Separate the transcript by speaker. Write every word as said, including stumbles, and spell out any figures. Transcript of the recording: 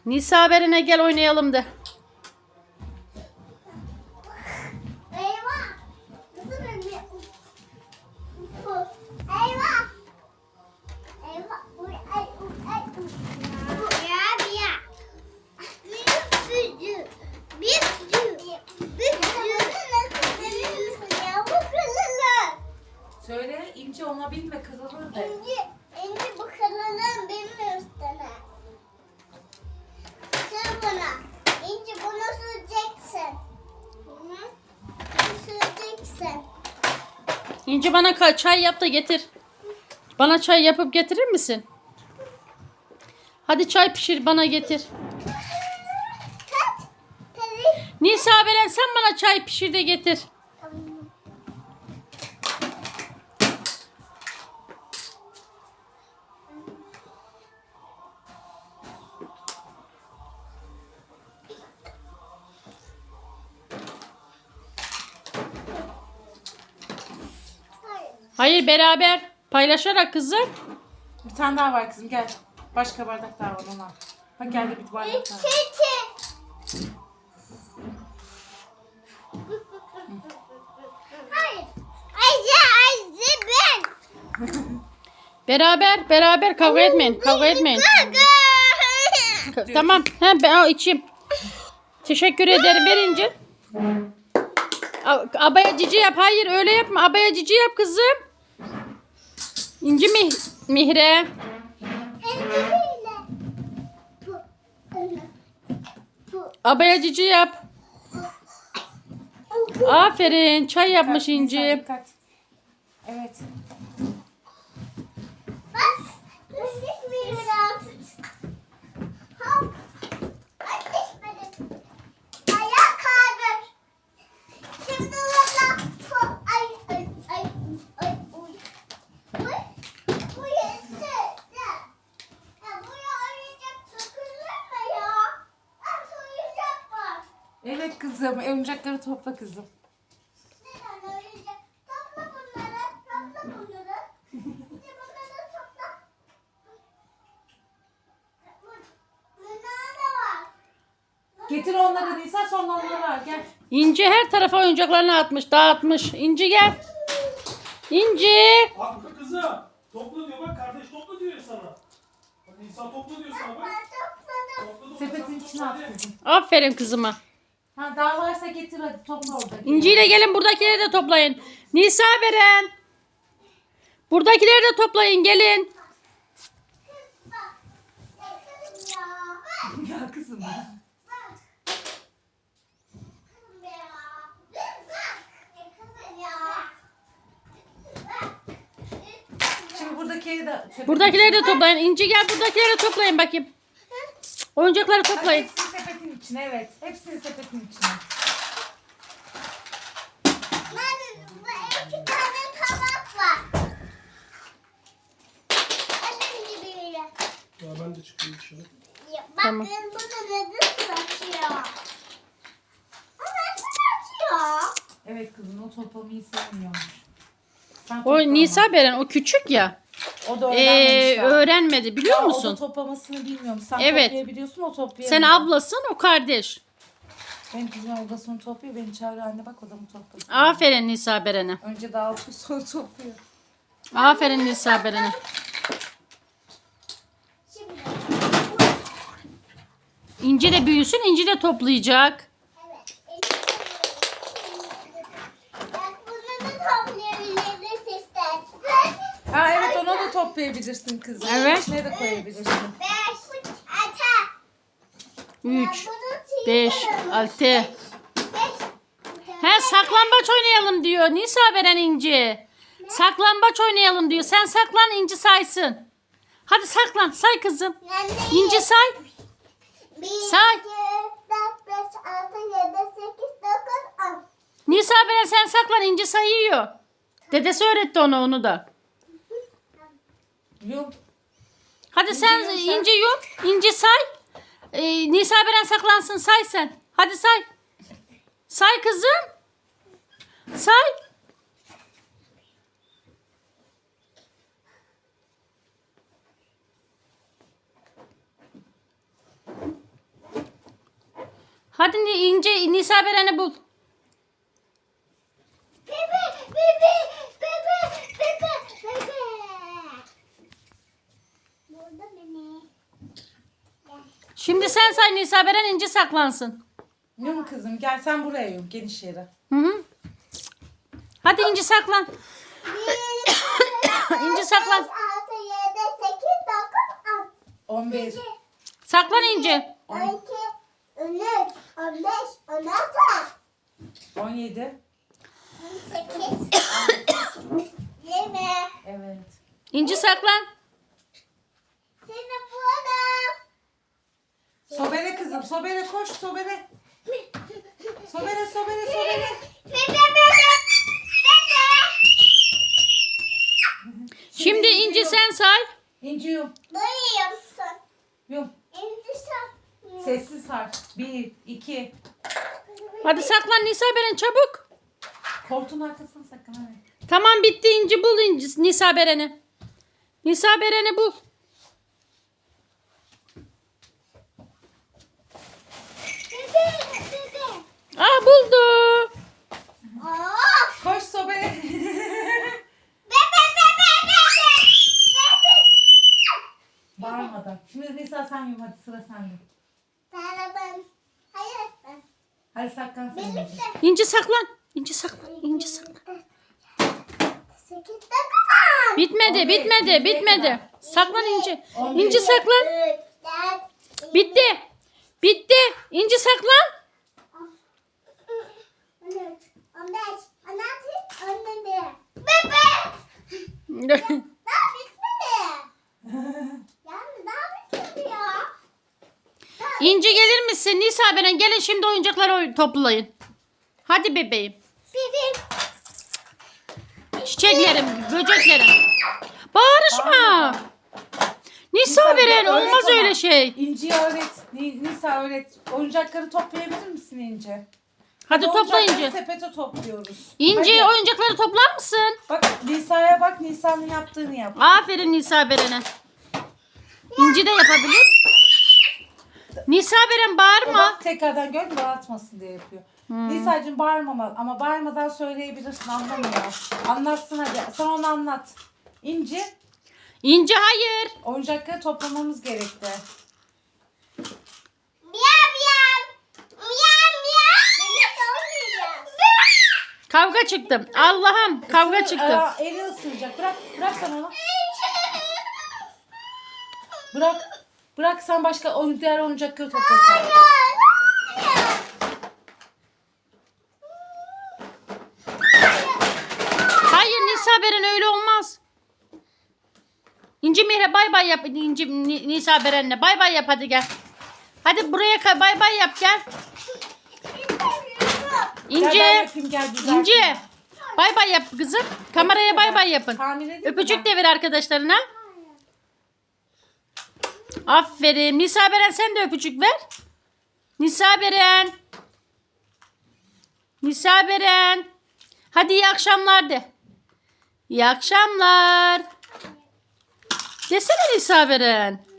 Speaker 1: Nisa Beren'e gel oynayalım de.
Speaker 2: Eyvah. Eyvah. Eyvah. Uy, ay, uy, ay, uy. Bu ya, bir ya. Bir büyücü. Bir büyücü. Bir büyücü. Senin misin ya? Bu kırılır.
Speaker 3: Söyle İnci ona binme kırılır de.
Speaker 2: İnci, İnci bu kırılır benim üstüne. Sür buna. İnci bunu süreceksin. Hı hı. Bunu süreceksin.
Speaker 1: İnci bana ka- çay yap da getir. Bana çay yapıp getirir misin? Hadi çay pişir bana getir.
Speaker 2: Kaç. Tabii.
Speaker 1: Nisa Beren sen bana çay pişir de getir.
Speaker 2: Tamam. Hayır.
Speaker 1: Hayır beraber paylaşarak kızım.
Speaker 3: Bir tane daha var kızım gel. Başka bardak daha var ona. Bak geldi bir bardak daha.
Speaker 2: Çiçek. Hayır. Ayşe, Ayşe ben.
Speaker 1: Beraber beraber kavga etmeyin. Kavga etmeyin. Ka- Tamam. He, ben al içeyim. Teşekkür ederim verince. A- Abaya cici yap. Hayır öyle yapma. Abaya cici yap kızım. İnci mi Mihre. Abaya cici yap. Aferin. Çay yapmış
Speaker 3: Dikkat, Nisa,
Speaker 1: İnci.
Speaker 3: dikkat. Evet.
Speaker 2: Bak, düşmüyor biraz. Hop. Ay düşmedi. Ayağa kaldır. Şimdi valla. Hop. Ay ay ay ay uy. Uy. Bu yeter. Ya. Ya buraya oyuncak takılır mı ya? Ah oyuncak var.
Speaker 3: Evet kızım oyuncakları topla kızım.
Speaker 2: Neden oyuncak? Topla bunları. Topla bunları. Bir de bunları topla. Bunlar da var.
Speaker 3: Getir onları Nisa sonra onları al gel.
Speaker 1: İnci her tarafa oyuncaklarını atmış, dağıtmış. İnci gel. İnci.
Speaker 4: Hakkı kızım. Topla diyor bak kardeş topla diyor ya sana. Bak insan topla diyor sana bak.
Speaker 2: Ben topladım.
Speaker 4: Topla, topla,
Speaker 3: Sepetin
Speaker 4: sen
Speaker 3: içine
Speaker 4: topla
Speaker 3: at
Speaker 4: diye.
Speaker 3: kızım.
Speaker 1: Aferin kızıma.
Speaker 3: Ha daha varsa getir hadi topla orada.
Speaker 1: İnci ile gelin buradakileri de toplayın. Nisa Beren. Buradakileri de toplayın gelin.
Speaker 2: Bak. Yakınım ya.
Speaker 3: Ya kızım.
Speaker 2: Bak. Yakınım ya. Bak. Yakınım ya. Bak.
Speaker 3: Şimdi buradakileri de sepetin
Speaker 1: Buradakileri de toplayın. İnci gel buradakileri de toplayın bakayım. Oyuncakları
Speaker 3: Hadi
Speaker 1: toplayın.
Speaker 3: hepsini sepetin içine evet. Hepsini sepetin içine.
Speaker 2: Ben bu iki tane tabak var. Annem gibi biri.
Speaker 4: Ya ben de çıkayım dışarı.
Speaker 2: Ya,
Speaker 1: Tamam.
Speaker 2: bakın bu da neden açıyor? O neden açıyor?
Speaker 3: Evet kızım o toplamayı sevmiyormuş. Sen
Speaker 1: O
Speaker 3: topla
Speaker 1: Nisa
Speaker 3: ama.
Speaker 1: Beren o küçük ya.
Speaker 3: O da
Speaker 1: Ee,
Speaker 3: öğrenmemiş daha.
Speaker 1: öğrenmedi biliyor
Speaker 3: Ya, O
Speaker 1: musun?
Speaker 3: da toplamasını bilmiyorum. Sen
Speaker 1: Evet.
Speaker 3: toplayabiliyorsun o toplayamıyor.
Speaker 1: Sen ablasın o kardeş.
Speaker 3: Benim kızım odasını topluyor. Beni çağırıyor anne bak odamı topladı.
Speaker 1: Aferin Nisa Beren'e.
Speaker 3: Önce dağıtıyor sonra topluyor.
Speaker 1: Aferin Nisa Beren'e.
Speaker 2: Şimdi.
Speaker 1: İnci de büyüsün İnci de toplayacak.
Speaker 2: Evet. Bak bunu da toplayabiliriz istersen.
Speaker 3: Ha evet onu da toplayabilirsin kızım.
Speaker 1: Evet.
Speaker 3: İçine de koyabilirsin.
Speaker 2: Beş. Ata.
Speaker 1: üç,
Speaker 2: Bunu
Speaker 1: beş,
Speaker 2: çiğnerim.
Speaker 1: altı.
Speaker 2: Beş.
Speaker 1: He saklambaç oynayalım diyor. Nisa Beren İnci. Saklambaç oynayalım diyor. Sen saklan İnci saysın. Hadi saklan say kızım.
Speaker 2: Yani
Speaker 1: İnci say.
Speaker 2: bir,
Speaker 1: Say.
Speaker 2: iki, dört, beş, altı, yedi, sekiz, dokuz, on.
Speaker 1: Nisa Beren sen saklan İnci sayıyor. Dedesi öğretti ona onu da.
Speaker 3: Yok.
Speaker 1: Hadi sen
Speaker 3: yum sen.
Speaker 1: İnci yum. İnci say. Ee, Nisa Beren saklansın say sen. Hadi say. Say kızım. Say. Hadi Ni- İnce Nisa Beren'i bul.
Speaker 2: Bebe, bebe, bebe, bebe, bebe. Burada beni.
Speaker 1: Şimdi sen say Nisa Beren, İnci saklansın.
Speaker 3: Yum kızım gel sen buraya yum geniş yere.
Speaker 1: Hı hı. Hadi İnci saklan. İnci saklan.
Speaker 2: altı, yedi, sekiz, dokuz,
Speaker 3: on bir.
Speaker 1: Saklan İnci.
Speaker 2: on iki, on üç, on beş, on altı,
Speaker 3: on yedi.
Speaker 2: on sekiz, yirmi.
Speaker 3: Evet.
Speaker 1: İnci saklan.
Speaker 2: Seni buldum.
Speaker 3: Sobele kızım sobele koş sobele. Sobele sobele sobele.
Speaker 2: Bebe, bebe, bebe.
Speaker 1: Şimdi İnci sen say.
Speaker 3: İnci yum.
Speaker 2: Duyuyor musun?
Speaker 3: Yum.
Speaker 2: İnsan.
Speaker 3: Sessiz sar. Bir, iki.
Speaker 1: Hadi saklan Nisa Beren çabuk.
Speaker 3: Koltuğun arkasına sakın hadi.
Speaker 1: Tamam bitti İnci, bul İnci, Nisa Beren'i. Nisa Beren'i bul.
Speaker 2: Bebe, bebe.
Speaker 1: Aa buldu.
Speaker 2: Of.
Speaker 3: Koş sobele.
Speaker 2: Bebe, bebe, bebe. Bebe.
Speaker 3: Bağırmadan. Şimdi Nisa sen yum hadi sıra sende.
Speaker 2: Sana ben. Hayır ben.
Speaker 3: Hadi saklan sen İnci.
Speaker 2: Birlikte.
Speaker 1: İnci saklan. İnci saklan. İnci saklan.
Speaker 2: Sekiz dakika.
Speaker 1: Bitmedi,
Speaker 3: On beş,
Speaker 1: bitmedi,
Speaker 3: yirmiye
Speaker 1: bitmedi.
Speaker 3: kadar.
Speaker 1: Saklan İnci.
Speaker 3: On beş.
Speaker 1: İnci saklan.
Speaker 2: Üç, dört,
Speaker 1: Bitti. Bitti. İnci saklan.
Speaker 2: on üç, on beş, on altı, on yedi. Bebe. Daha bitmedi. Yani daha bitmedi ya.
Speaker 1: İnci gelir misin? Nisa Beren gelin şimdi oyuncakları oy- toplayın. Hadi bebeğim.
Speaker 2: Bebe.
Speaker 1: Çiçeklerim, böceklerim. Bağırışma. Nisa Beren
Speaker 3: öğret
Speaker 1: olmaz
Speaker 3: ama.
Speaker 1: öyle şey.
Speaker 3: İnci'ye öğret. Ni- Nisa öğret. Oyuncakları toplayabilir misin İnci?
Speaker 1: Hadi topla
Speaker 3: Oyuncakları
Speaker 1: İnci.
Speaker 3: sepete topluyoruz.
Speaker 1: İnci
Speaker 3: Hadi.
Speaker 1: oyuncakları toplar mısın?
Speaker 3: Bak Nisa'ya bak Nisa'nın yaptığını yap.
Speaker 1: Aferin Nisa Beren'e. İnci de yapabilir. Nisa Beren bağırma.
Speaker 3: Bak tekrardan gör dağıtmasın diye yapıyor.
Speaker 1: Hmm.
Speaker 3: Nisa'cığım bağırmamalı ama bağırmadan söyleyebilirsin anlamıyor. Anlatsın hadi. Sen onu anlat. İnci
Speaker 1: İnci hayır.
Speaker 3: oyuncakları toplamamız gerekti.
Speaker 2: Miyav miyav. Miyav miyav. Beni sormuyor.
Speaker 1: Kavga çıktı. Allah'ım kavga
Speaker 3: Isır-
Speaker 1: çıktı.
Speaker 3: Aa, eli ısıracak. Bırak, bırak sen onu. Bırak. Bırak sen başka oyun diğer oyuncakları topla sen.
Speaker 1: Hayır Nisa Beren öyle olmaz. İnci Mihre bay bay yap. İnci Ni- Nisa Beren'le bay bay yap hadi gel. Hadi buraya ka- bay bay yap gel.
Speaker 3: Gel
Speaker 1: İnci.
Speaker 3: ben yapayım gel güzel.
Speaker 1: İnci. Bay bay yap kızım. Kameraya bay bay yapın.
Speaker 3: Tahmin edeyim mi
Speaker 1: Öpücük
Speaker 3: ben?
Speaker 1: de ver arkadaşlarına. Aferin. Nisa Beren sen de öpücük ver. Nisa Beren. Nisa Beren. Hadi iyi akşamlar de. İyi akşamlar. Desene Nisa Beren.